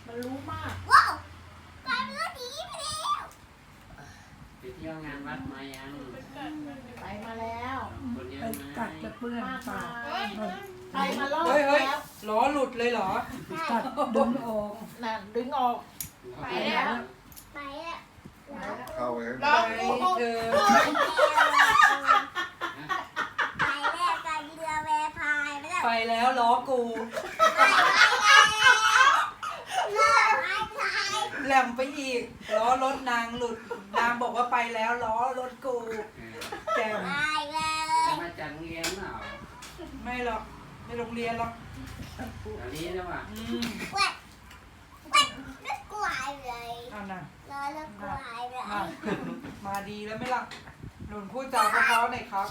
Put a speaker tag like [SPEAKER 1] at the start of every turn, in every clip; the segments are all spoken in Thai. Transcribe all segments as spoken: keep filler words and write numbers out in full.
[SPEAKER 1] มันรู้มาก
[SPEAKER 2] ว้าวกลายเป็นรถดีไปแล้ว
[SPEAKER 3] ไปเที่ยวงานวัดมายัง
[SPEAKER 1] ไปมาแล้ว
[SPEAKER 3] คนเยอะ
[SPEAKER 4] ไป
[SPEAKER 3] ไหม
[SPEAKER 4] กัดจะเปื้อน
[SPEAKER 1] มาก
[SPEAKER 4] ปาม
[SPEAKER 1] าก ไปมารอบ
[SPEAKER 4] เฮ้ยเฮ้ย
[SPEAKER 1] แล้ว
[SPEAKER 4] ล้อหลุดเลยเหรอกัดดึงออก
[SPEAKER 1] น่ะดึงออก
[SPEAKER 3] ไป
[SPEAKER 1] ไป
[SPEAKER 3] แล้
[SPEAKER 1] แล้ว ว
[SPEAKER 2] ไปแล้ว
[SPEAKER 5] เข้าไป
[SPEAKER 1] ลอง
[SPEAKER 4] ไป
[SPEAKER 1] ดู
[SPEAKER 4] เธอ
[SPEAKER 2] ไปแล้วกันเรือแวพายไปแล้ว
[SPEAKER 4] ไปแล้วล้อกู
[SPEAKER 2] ไปแล้วเรือพายพาย
[SPEAKER 4] แหลมไปอีกล้อรถนางหลุดนางบอกว่าไปแล้วล้อรถกูแกม
[SPEAKER 2] ไปแล้
[SPEAKER 3] จะ
[SPEAKER 2] ว
[SPEAKER 3] มาจากโรงเรียนเปล่า
[SPEAKER 4] ไม่หรอกไม่โรงเรียนหรอก
[SPEAKER 3] แถวนี้นะว่ะ
[SPEAKER 4] อืม
[SPEAKER 2] แวะแวะรถกูหายเลย
[SPEAKER 4] อ่าน่ะ
[SPEAKER 2] รอรถกูหายเลย
[SPEAKER 4] อ่ะมาดีแล้วไหม่ล่ะหนุนพูดจาเพราะๆหน่อยครับ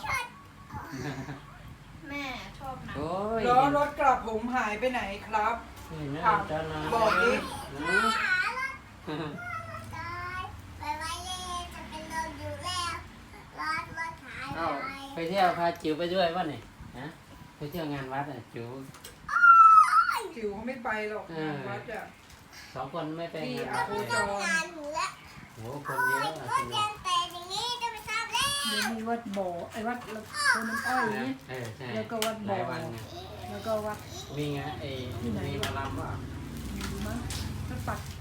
[SPEAKER 1] แม่ชอบนะ
[SPEAKER 3] โอ้ย
[SPEAKER 4] ล้อรถกระผมหายไปไหนครับ
[SPEAKER 3] เห็นไหม
[SPEAKER 4] ถาม
[SPEAKER 3] จะนาน
[SPEAKER 4] บอกดิ
[SPEAKER 2] ไปหารถตายไปไว้เลยจะเป็นลมอยู่แล้วรถรถหาย
[SPEAKER 3] เอ้า
[SPEAKER 2] ไป
[SPEAKER 3] ไปเที่ยวพาจิ๋วไปด้วยป่ะเนี่ยฮะไปเที่ยวงานวัดอ่ะจิ๋ว
[SPEAKER 4] จิ๋วเขาไม่ไปหรอก
[SPEAKER 3] เออ
[SPEAKER 4] งานวัดอ่ะ
[SPEAKER 3] สองคนไม่ไปงาน
[SPEAKER 2] ก็
[SPEAKER 3] วัด
[SPEAKER 2] ไม่
[SPEAKER 3] เลย
[SPEAKER 2] ต้องงานหนูแล้ว
[SPEAKER 3] โหคนเยอะอ่ะ
[SPEAKER 2] ก็
[SPEAKER 3] สนุ
[SPEAKER 2] ยั
[SPEAKER 3] ก
[SPEAKER 2] งแต่อย่างนี้จะไปทราบแล้ว
[SPEAKER 4] เดี๋ยวมีวัดบ่อไอ้วัดคนน้ำอ้อยนี่
[SPEAKER 3] เออใช่
[SPEAKER 4] แล้วก็วัด
[SPEAKER 3] ห
[SPEAKER 4] บ่อ
[SPEAKER 3] ลายวันไง
[SPEAKER 4] แล้วก็วัด
[SPEAKER 3] มีไงไอ้มีหมาลำว่ะ
[SPEAKER 4] มีมั้งถ้าปัก